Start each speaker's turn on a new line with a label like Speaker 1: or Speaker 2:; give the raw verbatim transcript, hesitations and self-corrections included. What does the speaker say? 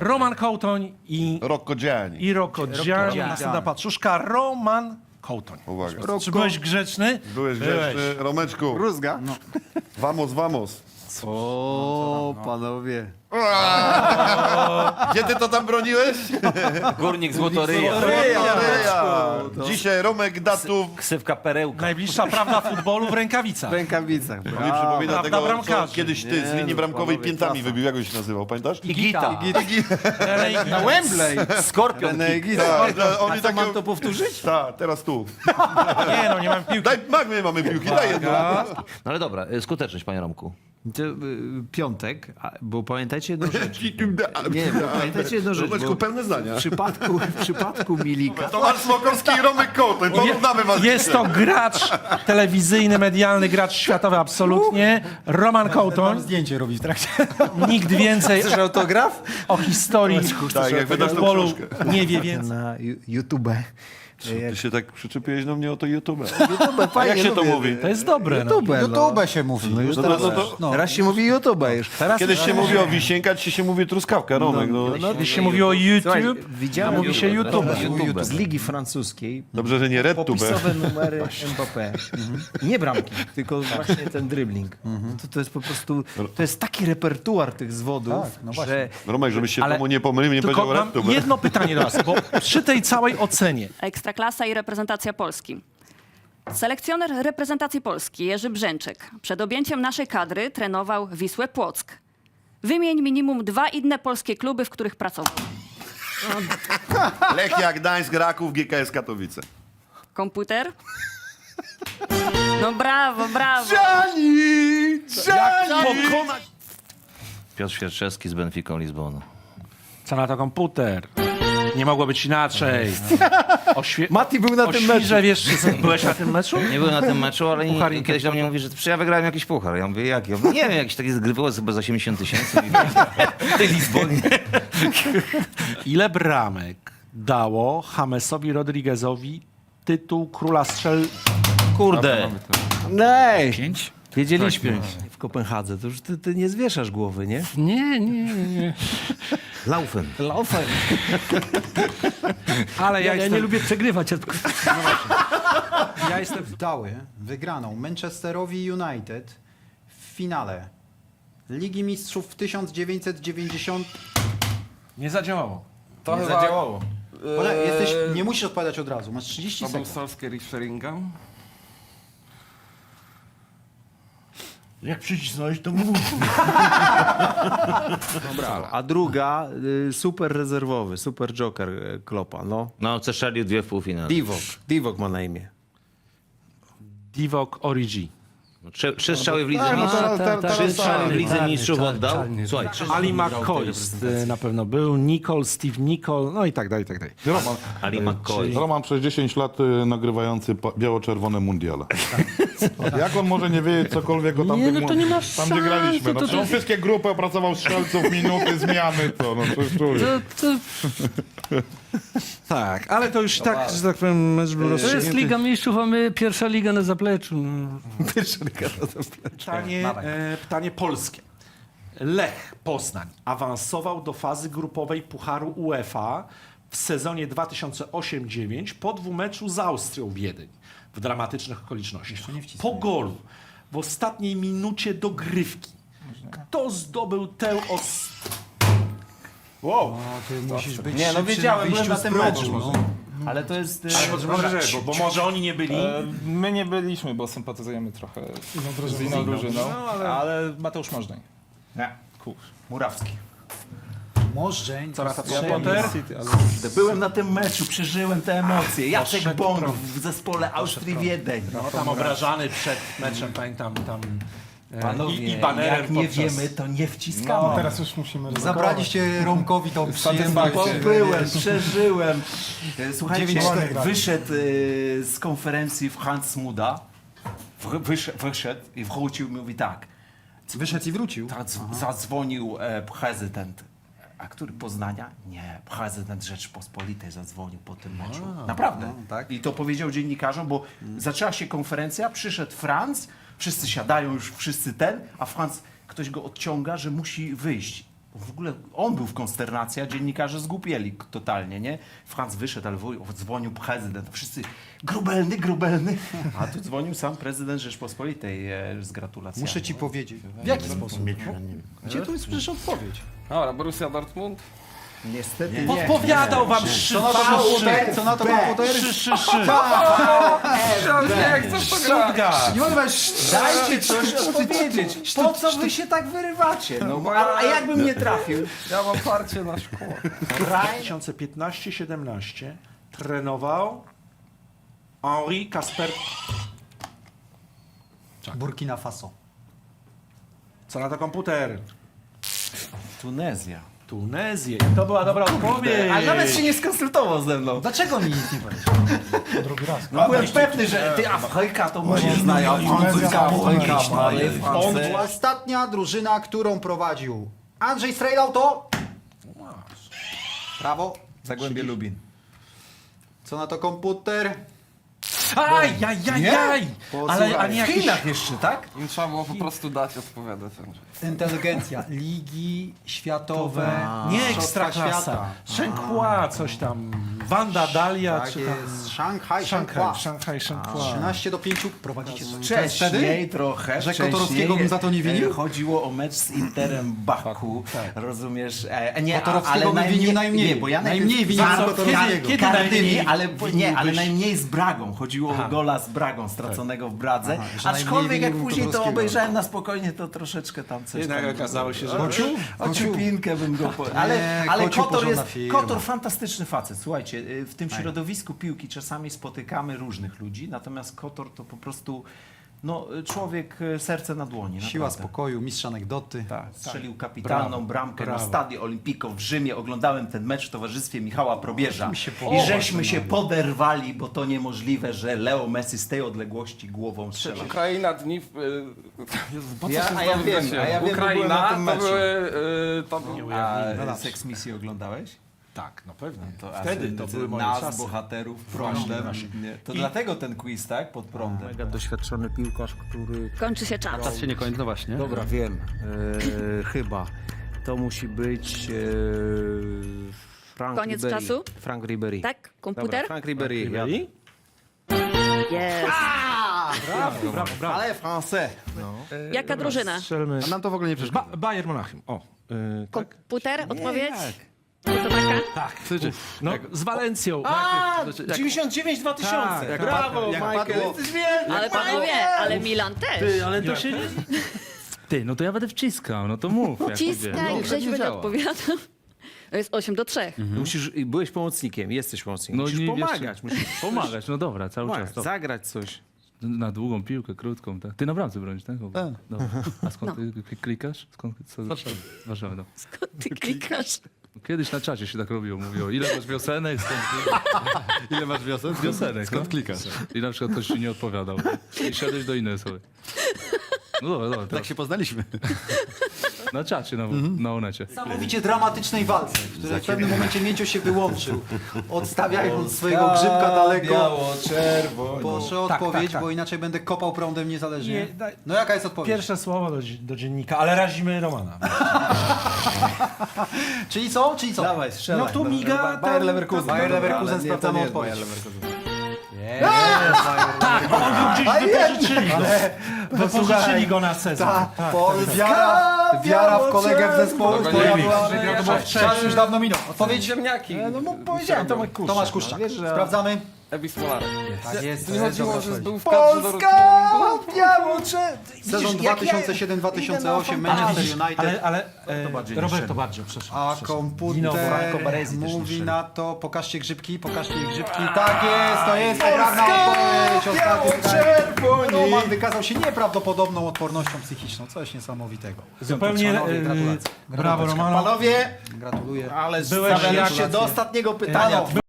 Speaker 1: Roman Kołtoń i,
Speaker 2: Rocco Gianni.
Speaker 1: i Rocco Gianni.
Speaker 3: Gianni.
Speaker 1: Następna paczuszka, Roman Kołtoń.
Speaker 2: Uwaga.
Speaker 1: Czy byłeś grzeczny?
Speaker 2: Byłeś grzeczny. Romeczku.
Speaker 3: Rózga? No.
Speaker 2: Vamos, vamos.
Speaker 3: O, panowie.
Speaker 2: Gdzie ty to tam broniłeś?
Speaker 4: Górnik Złotoryja.
Speaker 2: Ryja. Dzisiaj Romek Datów.
Speaker 4: Ksywka Perełka.
Speaker 1: Najbliższa prawda futbolu w rękawicach.
Speaker 3: W rękawicach.
Speaker 2: To mi przypomina
Speaker 1: Prawda
Speaker 2: tego, co
Speaker 1: bramkarzy.
Speaker 2: kiedyś ty z
Speaker 3: Nie,
Speaker 2: linii
Speaker 3: no,
Speaker 2: bramkowej
Speaker 3: panowie,
Speaker 2: piętami
Speaker 3: klasa.
Speaker 2: wybił. Jak on się nazywał, pamiętasz?
Speaker 4: Igita.
Speaker 3: Na Wembley.
Speaker 4: Skorpion.
Speaker 2: Tak, że oni
Speaker 3: A co,
Speaker 2: takie-
Speaker 3: mam to powtórzyć?
Speaker 2: Tak, teraz tu.
Speaker 1: Nie no, nie mam piłki.
Speaker 2: Daj, mag, my mamy piłki, daj jedną.
Speaker 4: No ale dobra, y, skuteczność, panie Romku.
Speaker 3: To, y, piątek, a, bo pamiętajcie jedną rzecz. Nie, bo pamiętajcie jedną rzecz.
Speaker 2: Romeczku,
Speaker 3: Bo
Speaker 2: pełne zdania.
Speaker 3: w przypadku, w przypadku Milika...
Speaker 2: Tomasz Smokowski i Romek Kołtoń. Porównamy was.
Speaker 1: Jest to gracz telewizyjny, medialny, gracz światowy absolutnie. Roman Kołtoń.
Speaker 5: Zdjęcie robi w trakcie.
Speaker 1: Nikt więcej
Speaker 3: Chcesz autograf?
Speaker 1: o historii
Speaker 2: Tak, jak wydasz tą
Speaker 1: futbolu
Speaker 2: książkę.
Speaker 1: nie wie więcej.
Speaker 3: Na Ju- YouTube.
Speaker 2: Ty się tak przyczepiłeś do mnie o to YouTube.
Speaker 3: YouTube,
Speaker 2: A
Speaker 3: fajnie,
Speaker 2: jak się to
Speaker 3: lubię.
Speaker 2: mówi?
Speaker 1: To jest dobre. No.
Speaker 3: YouTube, no.
Speaker 5: YouTube się mówi.
Speaker 3: No już
Speaker 2: No
Speaker 3: teraz,
Speaker 2: to- no to-
Speaker 3: no. teraz się mówi YouTube już.
Speaker 1: Teraz
Speaker 2: Kiedyś się mówi o wisienka, dzisiaj się mówi truskawka, Romek. No.
Speaker 1: Kiedyś się mówiło
Speaker 3: Słuchaj,
Speaker 1: YouTube,
Speaker 3: widziałem
Speaker 1: a mówi się YouTube.
Speaker 4: YouTube.
Speaker 3: z Ligi Francuskiej.
Speaker 2: Dobrze, że nie RedTube.
Speaker 3: Popisowe numery Mbappé. Nie bramki, tylko właśnie ten dribbling. To, to jest po prostu, to jest taki repertuar tych zwodów,
Speaker 5: Tak, no właśnie.
Speaker 3: że
Speaker 2: Romek, żebyś się
Speaker 1: Ale
Speaker 2: temu nie pomylił, nie
Speaker 1: Tylko
Speaker 2: powiedział
Speaker 1: mam
Speaker 2: RedTube.
Speaker 1: jedno pytanie do was, bo przy tej całej ocenie
Speaker 6: Ekstraklasa i reprezentacja Polski. Selekcjoner reprezentacji Polski Jerzy Brzęczek przed objęciem naszej kadry trenował Wisłę Płock. Wymień minimum dwa inne polskie kluby, w których pracował.
Speaker 2: Lechia, Gdańsk, Raków, G K S Katowice.
Speaker 6: Komputer? No brawo, brawo.
Speaker 2: Gianni! Gianni!
Speaker 1: pokonać...
Speaker 4: Piotr Świerczewski z Benficą Lizbonu.
Speaker 1: Co na to komputer? Nie mogło być inaczej. Oświe...
Speaker 3: Mati był na tym meczu.
Speaker 1: Oświże, wiesz, czy co- byłeś na tym meczu?
Speaker 4: Nie byłem na tym meczu, ale
Speaker 1: Puchar
Speaker 4: nie,
Speaker 1: Inter-
Speaker 4: kiedyś do mnie mówi, że "Przecież ja wygrałem jakiś puchar. Ja mówię, jaki? Ja mówię, nie wiem, jakiś taki zgrywało chyba z osiemdziesiąt tysięcy w tej Lizbonie.
Speaker 1: Ile bramek dało Jamesowi Rodriguezowi tytuł króla strzel...
Speaker 4: Kurde.
Speaker 3: Nej,
Speaker 5: Pięć?
Speaker 3: wiedzieliśmy w Kopenhadze, to już ty, ty nie zwieszasz głowy, nie?
Speaker 1: Nie, nie, nie.
Speaker 4: Laufen.
Speaker 3: Laufen.
Speaker 1: Ale ja,
Speaker 5: Ja, ja
Speaker 1: jestem...
Speaker 5: nie lubię przegrywać.
Speaker 1: Ja jestem...
Speaker 5: Dały wygraną Manchesterowi United w finale Ligi Mistrzów w tysiąc dziewięćset dziewięćdziesiątym.
Speaker 1: Nie zadziałało.
Speaker 7: To
Speaker 5: Nie
Speaker 7: chyba...
Speaker 5: zadziałało. Ole,
Speaker 7: Eee,
Speaker 5: jesteś, nie musisz odpowiadać od razu, masz trzydzieści
Speaker 7: To był
Speaker 5: sekund.
Speaker 7: Solskjaer i Sheringham.
Speaker 1: Jak przycisnąłeś, to mów.
Speaker 3: A druga, y, super rezerwowy, super joker y, Kloppa, no.
Speaker 4: No, przestrzelił dwie w półfinale.
Speaker 3: Divok, Divok ma na imię.
Speaker 1: Divok Origi.
Speaker 4: Trzy, trzy strzały w lidze
Speaker 2: Tak, no
Speaker 4: mistrzów.
Speaker 2: teraz- teraz-
Speaker 4: Trzy
Speaker 2: teraz
Speaker 4: strzały w
Speaker 2: tak.
Speaker 4: lidze mistrzów oddał. Słuchaj, trzy
Speaker 1: Ali McCoy y, na pewno był, Nicole, Steve Nicole, no i tak dalej, i tak dalej.
Speaker 8: Roman,
Speaker 4: Ali McCoy.
Speaker 8: Roman przez dziesięć lat y, nagrywający pa- biało-czerwone mundiale. Jak on może nie wiedzieć cokolwiek o tamtych
Speaker 1: no to
Speaker 8: mun-
Speaker 1: nie ma
Speaker 8: Tam
Speaker 1: szans,
Speaker 8: gdzie graliśmy. No,
Speaker 1: to- to-
Speaker 8: to, on wszystkie grupy opracował strzelców, minuty, zmiany, co? No przecież człowiek.
Speaker 1: Tak, ale to już tak, że tak powiem, mecz był
Speaker 5: To
Speaker 1: rozstrzygnięty.
Speaker 5: jest Liga Mistrzów, a my pierwsza liga na zapleczu. No.
Speaker 1: Pytanie, e, pytanie polskie. Lech Poznań awansował do fazy grupowej Pucharu UEFA w sezonie dwa tysiące osiem dziewięć po dwumeczu z Austrią Wiedeń w dramatycznych okolicznościach. Po golu w ostatniej minucie dogrywki. Kto zdobył tę os...
Speaker 5: No, ty musisz być
Speaker 7: Nie, no
Speaker 5: szybszy
Speaker 7: wiedziałem, byłem
Speaker 5: wyjściu
Speaker 7: na
Speaker 5: z
Speaker 7: tym
Speaker 5: progu,
Speaker 7: meczu.
Speaker 5: no.
Speaker 7: Ale to jest... e,
Speaker 1: Może, bo, bo może oni nie byli.
Speaker 9: E, My nie byliśmy, bo sympatyzujemy trochę z inną drużyną, ale Mateusz Możdżeń.
Speaker 7: Nie. Murawski.
Speaker 5: Możdżeń.
Speaker 1: Co na to
Speaker 9: Ja
Speaker 1: Potter?
Speaker 9: City, ale...
Speaker 7: Byłem na tym meczu, przeżyłem te emocje. Jacek
Speaker 1: Poszedł
Speaker 7: Bąk
Speaker 1: prąd.
Speaker 7: w zespole Austrii-Wiedeń.
Speaker 1: No, tam obrażany przed meczem, pamiętam, tam e,
Speaker 7: Panowie,
Speaker 1: i, i banerem
Speaker 7: jak nie
Speaker 1: podczas...
Speaker 7: wiemy, to nie wciskamy.
Speaker 9: Teraz już musimy
Speaker 5: Zabraliście Romkowi tą przyjemność.
Speaker 9: satysfakcję.
Speaker 7: Byłem, przeżyłem. E, Słuchajcie,
Speaker 5: dziewięć cztery.
Speaker 7: wyszedł e, z konferencji w Hans Muda, w- wyszedł, wyszedł i wrócił i mówi tak.
Speaker 5: Wyszedł i wrócił.
Speaker 7: Tak, z- zadzwonił e, prezydent. A który Poznania? Nie, prezydent Rzeczpospolitej zadzwonił po tym meczu. Naprawdę.
Speaker 5: no, tak.
Speaker 7: I to powiedział dziennikarzom, bo zaczęła się konferencja, przyszedł Franz, wszyscy siadają już, wszyscy ten, a Franz, ktoś go odciąga, że musi wyjść. w ogóle on był w konsternacji, a dziennikarze zgłupieli totalnie, nie? Franz wyszedł, ale wuj- dzwonił prezydent, wszyscy grubelny, grubelny, a tu dzwonił sam prezydent Rzeczpospolitej e, z gratulacjami.
Speaker 5: Muszę ci powiedzieć. W jaki sposób? Gdzie tu jest przecież odpowiedź?
Speaker 9: Dobra, Borussia Dortmund.
Speaker 7: Niestety nie.
Speaker 1: Podpowiadał wam
Speaker 5: Co na to komputer? Co na to komputer?
Speaker 1: Szy, szy, szy.
Speaker 9: Nie, chcę w to grać.
Speaker 5: Nie mogę was...
Speaker 7: Dajcie coś odpowiedzieć. Po co wy się tak wyrywacie? No, bo, a, a jakbym nie trafił?
Speaker 9: Ja mam parcie na szkołę.
Speaker 1: dwa tysiące piętnaście siedemnaście trenował Henri Kasper.
Speaker 5: Burkina Faso.
Speaker 1: Co na to komputer?
Speaker 7: Tunezja.
Speaker 1: Tunezję. I to była dobra odpowiedź.
Speaker 7: A nawet się nie skonsultował ze mną.
Speaker 5: Dlaczego mi nic nie powiedział? Drugi raz.
Speaker 7: No, byłem pewny, że ty Afryka to może znają. Afryka, Afryka,
Speaker 5: On była ostatnia drużyna, którą prowadził Andrzej Strejdał, to... Prawo.
Speaker 3: Zagłębie Lubin.
Speaker 5: Co na to komputer?
Speaker 1: Aj, aj, aj, aj. Ale a nie
Speaker 7: W
Speaker 1: jakieś...
Speaker 7: Chinach jeszcze, tak?
Speaker 9: Im trzeba było po prostu dać odpowiadać.
Speaker 5: Inteligencja. Ligi światowe.
Speaker 1: Nie
Speaker 5: Mistrzostwa
Speaker 1: ekstraklasa.
Speaker 5: świata.
Speaker 1: Shenhua, coś tam. Wanda Dalia,
Speaker 5: Tak
Speaker 1: czy tam...
Speaker 5: jest. Szanghaj,
Speaker 1: Szanghaj,
Speaker 5: Shanghai.
Speaker 1: Szanghaj, Shenhua.
Speaker 5: trzynaście do pięciu prowadzicie.
Speaker 7: Wcześniej trochę.
Speaker 5: Że
Speaker 7: wcześniej,
Speaker 5: Kotorowskiego bym za to nie winił?
Speaker 7: e, Chodziło o mecz z Interem Baku. Rozumiesz? E, nie,
Speaker 5: Kotorowskiego
Speaker 7: ale
Speaker 5: bym winił najmniej.
Speaker 7: Nie, bo ja
Speaker 5: Najmniej winił
Speaker 7: Kar-
Speaker 5: Kotorowskiego.
Speaker 7: Kar-
Speaker 1: Kiedy
Speaker 7: Kardyni,
Speaker 1: najmniej
Speaker 7: ale nie, ale
Speaker 1: winiłbyś-
Speaker 7: najmniej z Bragą. Chodziło o gola z Bragą straconego w Bradze.
Speaker 5: Aha, że najmniej
Speaker 7: Aczkolwiek jak
Speaker 5: winił
Speaker 7: później to
Speaker 5: Kotorowskiego.
Speaker 7: obejrzałem na spokojnie, to troszeczkę tam coś
Speaker 1: Jednak
Speaker 7: tam...
Speaker 1: okazało się, że...
Speaker 7: O ciupinkę bym go... Po... Ale,
Speaker 5: Nie,
Speaker 7: ale
Speaker 5: Kociu
Speaker 7: Kotor
Speaker 5: porządna
Speaker 7: jest...
Speaker 5: firma.
Speaker 7: Kotor fantastyczny facet. Słuchajcie, y, w tym środowisku piłki czasami spotykamy różnych ludzi, natomiast Kotor to po prostu no, człowiek y, serce na dłoni.
Speaker 5: Siła
Speaker 7: naprawdę.
Speaker 5: spokoju, mistrz anegdoty.
Speaker 7: Tak, strzelił kapitalną
Speaker 1: Brawo,
Speaker 7: bramkę
Speaker 1: brawo.
Speaker 7: na Stadio Olimpico w Rzymie. Oglądałem ten mecz w towarzystwie Michała Probierza.
Speaker 5: się
Speaker 7: I
Speaker 5: podoba,
Speaker 7: żeśmy się poderwali, bo to niemożliwe, że Leo Messi z tej odległości głową strzela.
Speaker 9: Ukraina dni... w- y, Jezu, po co
Speaker 7: Ja-
Speaker 9: się
Speaker 7: a ja
Speaker 9: znowu
Speaker 7: wiem,
Speaker 9: wreszcie?
Speaker 7: a ja wiem, bo byłem
Speaker 9: Ukraina
Speaker 7: na tym
Speaker 9: to
Speaker 7: meczu.
Speaker 9: były... y, To był...
Speaker 7: A
Speaker 5: No
Speaker 7: Sex Misję oglądałeś?
Speaker 1: Tak, no pewnie.
Speaker 7: To, a
Speaker 1: Wtedy
Speaker 7: ty-
Speaker 1: to
Speaker 7: ty-
Speaker 1: były moje
Speaker 7: nas,
Speaker 1: czasy.
Speaker 7: bohaterów,
Speaker 1: Właśnie,
Speaker 7: prądem.
Speaker 1: właśnie.
Speaker 7: Nie, To
Speaker 1: I-
Speaker 7: dlatego ten quiz, tak? Pod prądem.
Speaker 3: Mega doświadczony piłkarz, który...
Speaker 6: Kończy się czas.
Speaker 3: Czas się nie kończy, no właśnie. Dobra, wiem. E, chyba. To musi być e, Frank
Speaker 6: Koniec
Speaker 3: Ribery.
Speaker 6: czasu?
Speaker 3: Frank Ribery.
Speaker 6: Tak?
Speaker 3: Dobra,
Speaker 6: Komputer?
Speaker 3: Frank Ribery. Ja.
Speaker 1: Byli?
Speaker 6: Jest.
Speaker 1: Brawo, brawo, brawo.
Speaker 7: Ale français.
Speaker 6: Jaka drużyna?
Speaker 1: Strzelmy.
Speaker 2: A nam to w ogóle nie przeszkadza.
Speaker 1: Ba Bayern Monachium. O, yy, tak?
Speaker 6: Komputer? Odpowiedź? To taka?
Speaker 1: Tak. No, z Walencją.
Speaker 7: A,
Speaker 1: Jak-
Speaker 7: dziewięćdziesiąt dziewięć dwa tysiące.
Speaker 1: Tak, jak
Speaker 7: Brawo,
Speaker 2: jak
Speaker 7: Michael.
Speaker 2: padło-
Speaker 7: Jesteś wielki.
Speaker 6: Ale panowie, ale Milan też.
Speaker 1: Ale to się nie...
Speaker 10: Ty, no to ja będę wciskał, no to mów. jak idzie.
Speaker 6: Ciskaj,
Speaker 10: No,
Speaker 6: Grzesiu
Speaker 10: nie
Speaker 6: będzie
Speaker 10: działa.
Speaker 6: odpowiadał. To jest osiem do trzech.
Speaker 3: Musisz, byłeś pomocnikiem, jesteś pomocnikiem.
Speaker 10: No
Speaker 3: musisz
Speaker 10: nie,
Speaker 3: pomagać.
Speaker 10: jeszcze-
Speaker 3: Musisz
Speaker 10: Pomagać, no dobra, cały
Speaker 3: pomagać,
Speaker 10: czas. To.
Speaker 3: zagrać coś.
Speaker 10: Na długą piłkę, krótką, tak. Ty na bramce bronisz, tak? Dobra. A skąd ty k- klikasz? Skąd, co, z Warszawy, no.
Speaker 6: Ty klikasz.
Speaker 10: Kiedyś na czacie się tak robiło, mówiło, ile masz wiosenek, skąd
Speaker 2: Ile masz wiosen?
Speaker 10: wiosenek,
Speaker 2: Skąd
Speaker 10: no?
Speaker 2: klikasz?
Speaker 10: I na przykład ktoś ci nie odpowiadał. I szedłeś do innej osoby. No dobra, dobra,
Speaker 2: Tak
Speaker 10: teraz
Speaker 2: się poznaliśmy.
Speaker 10: na czacie, na, na onecie.
Speaker 5: Niesamowicie dramatycznej walce, w której w pewnym momencie Mięcio się wyłączył, odstawiając swojego grzybka daleko.
Speaker 7: Biało-czerwono.
Speaker 5: Proszę o
Speaker 1: Tak,
Speaker 5: odpowiedź,
Speaker 1: tak, tak.
Speaker 5: bo inaczej będę kopał prądem niezależnie.
Speaker 1: Nie, daj-
Speaker 5: No jaka jest odpowiedź?
Speaker 1: Pierwsze słowo do, do dziennika, ale razimy Romana.
Speaker 5: Czyli co? Czyli co?
Speaker 7: Dawaj, strzelaj.
Speaker 1: No tu miga,
Speaker 7: Ba- Bayer
Speaker 1: tam-
Speaker 7: Leverkusen.
Speaker 5: Bayer
Speaker 7: Dobra,
Speaker 5: Leverkusen,
Speaker 7: ale nie, to
Speaker 5: sprawdzamy
Speaker 7: nie jest
Speaker 5: odpowiedź.
Speaker 7: Bayer Leverkusen.
Speaker 1: Tak, bo on był gdzieś wypożyczyli go. Wypożyczyli go na sezon.
Speaker 5: Ta, po, wiara, wiara w kolegę w zespole.
Speaker 9: Dobra,
Speaker 5: Twoja
Speaker 9: nie
Speaker 5: była,
Speaker 9: wiem,
Speaker 5: to
Speaker 9: że
Speaker 5: było
Speaker 9: ja-
Speaker 5: czas już dawno minął. Odpowiedź?
Speaker 9: Ziemniaki.
Speaker 5: No bo powiedziałem, Tomek Kuszczak. Tomasz Kuszczak. Sprawdzamy.
Speaker 9: Ebis Polarek.
Speaker 5: Tak jest.
Speaker 9: To nie chodziło,
Speaker 5: dobra
Speaker 9: że
Speaker 5: odpowiedź.
Speaker 9: był w kadrze do Dortmundu.
Speaker 5: Sezon dwa tysiące siedem dwa tysiące osiem Manchester United.
Speaker 1: Ale, ale e,
Speaker 7: bardziej niż
Speaker 1: Roberto
Speaker 7: Szemi.
Speaker 1: Baggio, przepraszam.
Speaker 5: A
Speaker 1: przepraszam. Dino Franco
Speaker 5: komputer
Speaker 1: Baresi też
Speaker 5: mówi
Speaker 1: nie
Speaker 5: na to, pokażcie grzybki, pokażcie ich grzybki. Tak jest, to jest poprawna odpowiedź. Ostatnie pytanie. Roman wykazał się nieprawdopodobną odpornością psychiczną. Coś niesamowitego.
Speaker 1: Zupełnie
Speaker 5: Panowie,
Speaker 1: e,
Speaker 5: gratulacje.
Speaker 1: brawo Romano.
Speaker 7: Panowie,
Speaker 5: Gratuluję.
Speaker 7: ale
Speaker 1: Byłeś
Speaker 7: stawialiście
Speaker 1: jak-
Speaker 7: do ostatniego pytania.